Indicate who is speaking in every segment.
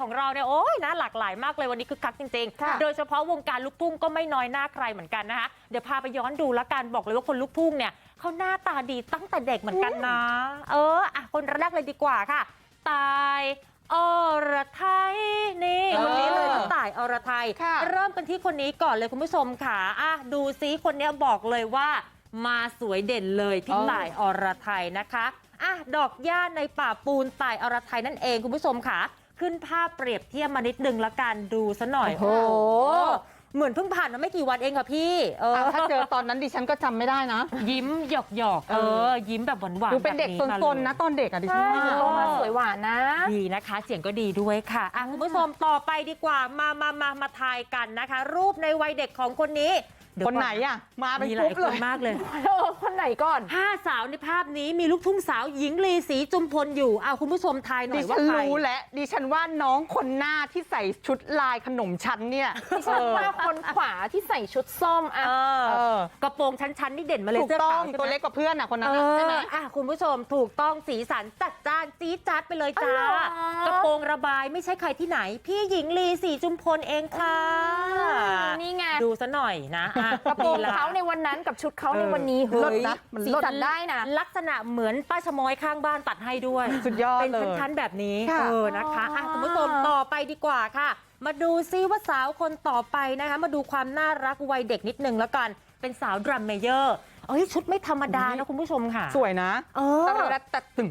Speaker 1: ของเราเนี่ยโอ้ยนะหลากหลายมากเลยวันนี้คึกคักจริงๆโดยเฉพาะวงการลูกทุ่งก็ไม่น้อยหน้าใครเหมือนกันนะคะเดี๋ยวพาไปย้อนดูแล้วกันบอกเลยว่าคนลูกทุ่งเนี่ยเขาหน้าตาดีตั้งแต่เด็กเหมือนกันนะคนแรกเลยดีกว่าค่ะตายอรไทยนี่คนนี้เลยคุณต่ายอรไทยเริ่มกันที่คนนี้ก่อนเลยคุณผู้ชมค่ะดูซิคนนี้บอกเลยว่ามาสวยเด่นเลยพี่ต่ายอรไทยนะคะดอกหญ้าในป่าปูนต่ายอรไทยนั่นเองคุณผู้ชมค่ะขึ้นภาพเปรียบเทียบมานิดนึงละกันดูซะหน่อยโอ้เหมือนเพิ่งผ่านมาไม่กี่วันเองค่ะพี่
Speaker 2: ถ้าเจอตอนนั้นดิฉันก็จำไม่ได้นะ
Speaker 1: ยิ้มหยอกยิ้มแบบหวานๆ
Speaker 2: ดูเป็นเด็กซนๆนะตอนเด็กดิฉัน
Speaker 3: มาสวยหวานนะ
Speaker 1: ดีนะคะเสียงก็ดีด้วยค่ะคุณผู้ชมต่อไปดีกว่ามาทายกันนะคะรูปในวัยเด็กของคนนี้
Speaker 2: คนไหนมาเป็น
Speaker 1: กลุ่มเลยมากเลย
Speaker 3: คนไหนก่อน
Speaker 1: 5 สาวในภาพนี้มีลูกทุ่งสาวหญิงลีศรีจุมพลอยู่คุณผู้ชมทายหน่อยว่าใคร
Speaker 2: รู้และดิฉันว่าน้องคนหน้าที่ใส่ชุดลายขนมชั้นเนี่ย
Speaker 3: ดิฉันว่าคนขวาที่ใส่ชุดส้ม
Speaker 1: กระโปรงชั้นๆนี่เด่นมาเลย
Speaker 2: เสื้อขาวตัวเล็กกว่าเพื่อนคนนั้นใช่ไหม
Speaker 1: คุณผู้ชมถูกต้องสีสันจัดจ้านจี๊ดจ๊าดไปเลยจ้ากระโปรงระบายไม่ใช่ใครที่ไหนพี่หญิงลีศรีจุมพลเองค่ะ
Speaker 3: นี่ไง
Speaker 1: ดูซะหน่อยนะ
Speaker 3: กระโปรงเขาในวันนั้นกับชุดเขาในวันนี้เฮ้ยสีสันได้นะ
Speaker 1: ลักษณะเหมือนป้าชมอยข้างบ้านตัดให้ด้วย
Speaker 2: สุดยอด
Speaker 1: เป็นชั้นๆแบบนี้นะคะคุณผู้ชมต่อไปดีกว่าค่ะมาดูซิว่าสาวคนต่อไปนะคะมาดูความน่ารักวัยเด็กนิดนึงแล้วกันเป็นสาวดรัมเมเยอร์ชุดไม่ธรรมดานะคุณผู้ชมค่ะ
Speaker 2: สวยนะ
Speaker 3: แต่ตึง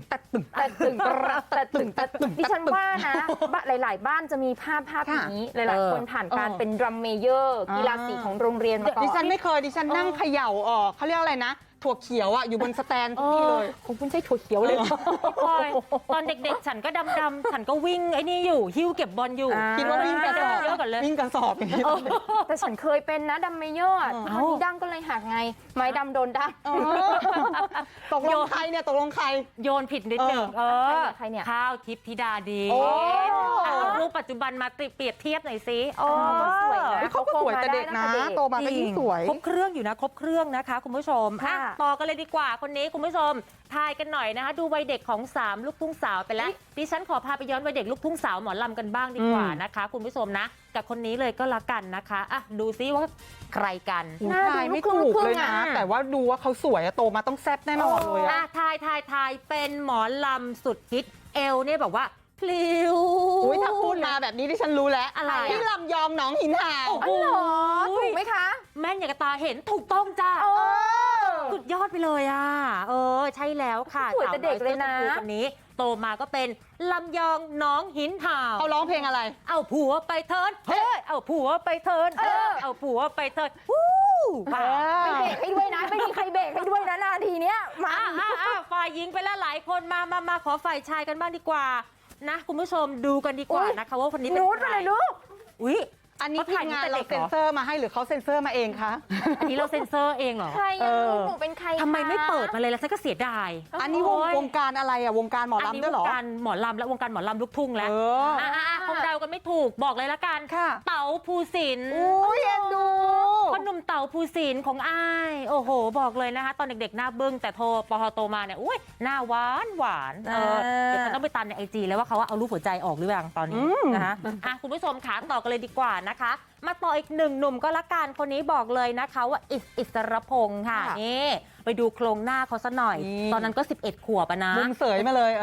Speaker 3: ดิฉันว่านะหลายๆบ้านจะมีภาพนี้หลายๆคนผ่านการเป็นดรัมเมเยอร์กีฬาสีของโรงเรียนมาก่อน
Speaker 2: ดิฉันไม่เคยดิฉันนั่งเขย่าเขาเรียกอะไรนะถั่วเขียวอยู่บนสแตนทุกที่เลย
Speaker 3: ผมคุณใช้ถั่วเขียวเลย
Speaker 1: ตอนเด็กๆฉันก็ดำๆฉันก็วิ่งไอ้นี่อยู่หิ้วเก็บบอลอยู่
Speaker 2: คิดว่าวิ่งกระสอบวิ่งกระสอบอย่างนี้
Speaker 3: แต่ฉันเคยเป็นนะดัมเมเยอร์ตอนนี้ดั้งก็เลยหักไงไม้ดำโดนดั้ง
Speaker 2: ตกลงใครเนี่ยตกลงใคร
Speaker 1: โยนผิดนิดหนึ่ง
Speaker 3: ใครเนี่ย
Speaker 1: ข้าวทิพย์ธิดาดีรูปปัจจุบันมาเปรียบเทียบหน่อยสิ
Speaker 3: สวยนะ
Speaker 2: เขาก็สวยแต่เด็กนะโตมาก็ยิ่งสวย
Speaker 1: ครบเครื่องอยู่นะครบเครื่องนะคะคุณผู้ชมต่อกันเลยดีกว่าคนนี้คุณผู้ชมทายกันหน่อยนะคะดูวัยเด็กของ3ลูกทุ่งสาวไปแล้วดิฉันขอพาไปย้อนวัยเด็กลูกทุ่งสาวหมอลำกันบ้างดีกว่านะคะคุณผู้ชมนะกับคนนี้เลยก็แล้วกันนะคะดูซิว่าใครกัน
Speaker 2: ทายไม่ถูกเลยนะแต่ว่าดูว่าเขาสวยโตมาต้องแซ่บแน่นอนเลย
Speaker 1: ทายเป็นหมอลำสุดฮิตเอลเนี่ยแบบว่าพลิ้ว
Speaker 2: ถ้าพูดมาแบบนี้ดิฉันรู้แล้วอะไรพี่ลำยองน้องหินห่าว
Speaker 3: ถูกไหมคะ
Speaker 1: แม่นอย่างกระตาเห็นถูกต้องจ้าสุดยอดไปเลยใช่แล้วค่ะ
Speaker 3: สวยแต่เด็กเลยนะ
Speaker 1: คนนี้โตมาก็เป็นลำยองน้องหินห่าว
Speaker 2: เขาร้องเพลงอะไร
Speaker 1: เอาผัวไปเทิร์นเอาผัวไปเทิร์นเอาผัวไปเทิร์น
Speaker 3: ไม่เบรกให้ด้วยนะไม่มีใครเบรกให้ด้วยนะนาทีเนี้ย
Speaker 1: มาฝ่ายหญิงไปแล้วหลายคนมาขอฝ่ายชายกันบ้างดีกว่านะคุณผู้ชมดูกันดีกว่านะคะว่าคนนี้เป็นใครอุ้ย
Speaker 2: อันนี้ทีมงานเราเซ็นเซอร์มาให้หรือเขาเซ็นเซอร์มาเองคะ
Speaker 1: อันนี้เราเซ็นเซอร์เองเหรอ
Speaker 3: ใครหนูเป็นใคร
Speaker 1: ทำไมไม่เปิดมาเลยแล้วฉันก็เสียดาย
Speaker 2: อันนี้วงการอะไรวงการหมอลำด้วยเหรอ
Speaker 1: วงการหมอลำและวงการหมอลำลูกทุ่งแล้วคงเดากันไม่ถูกบอกเลยละกันเต๋าภูสินทร์
Speaker 2: เอ็นดู
Speaker 1: พ่อหนุ่มเต๋าภูสินทร์ของอ้ายโอ้โหบอกเลยนะคะตอนเด็กๆหน้าบึ้งแต่พอโตมาเนี่ยอุ้ยหน้าหวานเดี๋ยวฉันต้องไปตามใน IG แล้วว่าเขาเอารูปหัวใจออกหรือยังตอนนี้นะคะคุณผู้ชมขาต่อกันเลยดีกว่านะคะมาต่ออีกหนึ่งหนุ่มก็ละกันคนนี้บอกเลยนะคะว่าอิสรพงษ์ค่ะนี่ไปดูโครงหน้าเขาซะหน่อยตอนนั้นก็11 ขวบนะ
Speaker 2: มุมเสยมาเลย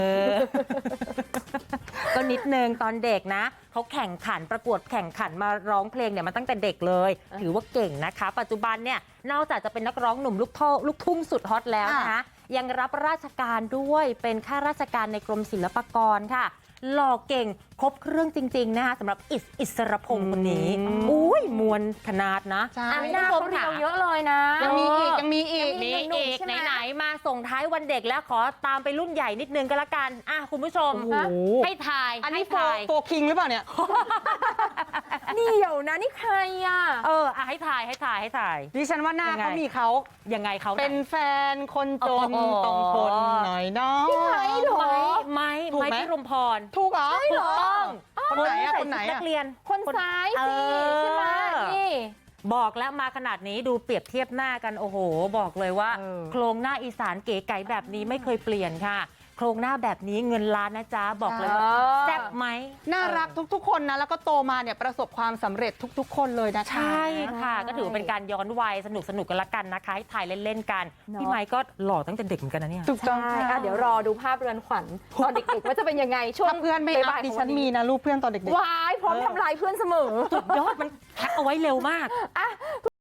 Speaker 1: ก็นิดนึงตอนเด็กนะเขาแข่งขันประกวดแข่งขันมาร้องเพลงเนี่ยมาตั้งแต่เด็กเลยถือว่าเก่งนะคะปัจจุบันเนี่ยนอกจากจะเป็นนักร้องหนุ่มลูกทุ่งสุดฮอตแล้วนะคะยังรับราชการด้วยเป็นข้าราชการในกรมศิลปากรค่ะหล่อเก่งครบเครื่องจริงๆนะคะสำหรับอิสรพงษ์คนนี้อุ้ยมวลขนาดนะ
Speaker 3: หน้าเขาเรียวเยอะเลยนะ
Speaker 2: ยังมีอีก
Speaker 1: ไหนมาส่งท้ายวันเด็กแล้วขอตามไปรุ่นใหญ่นิดนึงก็แล้วกันคุณผู้ชมให้ทาย
Speaker 2: อันนี้โฟคิงหรือเปล่าเนี่ย
Speaker 3: นี่เดี๋ยวนะนี่ใคร
Speaker 1: ให้ทาย
Speaker 2: ดิฉันว่าหน้าเขามีเขา
Speaker 1: ยังไงเขา
Speaker 2: เป็นแฟนคนจนต้องทนหน่อยน้อง
Speaker 3: พี่ไม้หรอ
Speaker 1: ไม้พิรมพร
Speaker 2: ถูกเหรอ
Speaker 1: ถูกต้อง
Speaker 2: คนไหน
Speaker 1: นักเรียน
Speaker 3: คนซ้ายสิใช่ไหมนี่
Speaker 1: บอกแล้วมาขนาดนี้ดูเปรียบเทียบหน้ากันโอ้โหบอกเลยว่าโครงหน้าอีสานเก๋ไก๋แบบนี้ไม่เคยเปลี่ยนค่ะครงหน้าแบบนี้เงินล้านนะจ๊ะบอกเลยว่าแซ่บไหม
Speaker 2: น่ารักทุกๆคนนะแล้วก็โตมาเนี่ยประสบความสำเร็จทุกๆ คนเลยนะคะ
Speaker 1: ใช่ค่ะ ก็ถือว่าเป็นการย้อนวัยสนุกกันละกันนะคะให้ถ่ายเล่นๆกัน พี่ไมค์ก็หล่อตั้งแต่เด็กเหมือนกันนะเนี่ย
Speaker 2: ถูกต้อง
Speaker 3: ใช่
Speaker 2: ค่ะ
Speaker 3: เดี๋ยวรอดูภาพเรือนขวัญตอนเด็กๆว่าจะเป็นยังไงช่วง
Speaker 2: ถ้าเพื่อนไม่อัพ
Speaker 3: บ่ายๆ
Speaker 2: ดิ
Speaker 3: ของ
Speaker 2: ฉั
Speaker 3: วัน น
Speaker 2: มี
Speaker 3: นี้
Speaker 2: นะรูปเพื่อนตอนเด็กๆ
Speaker 3: วายพร้อมทำลายเพื่อนเสมอ
Speaker 1: ยอดมันแพ็คเอาไว้เร็วมาก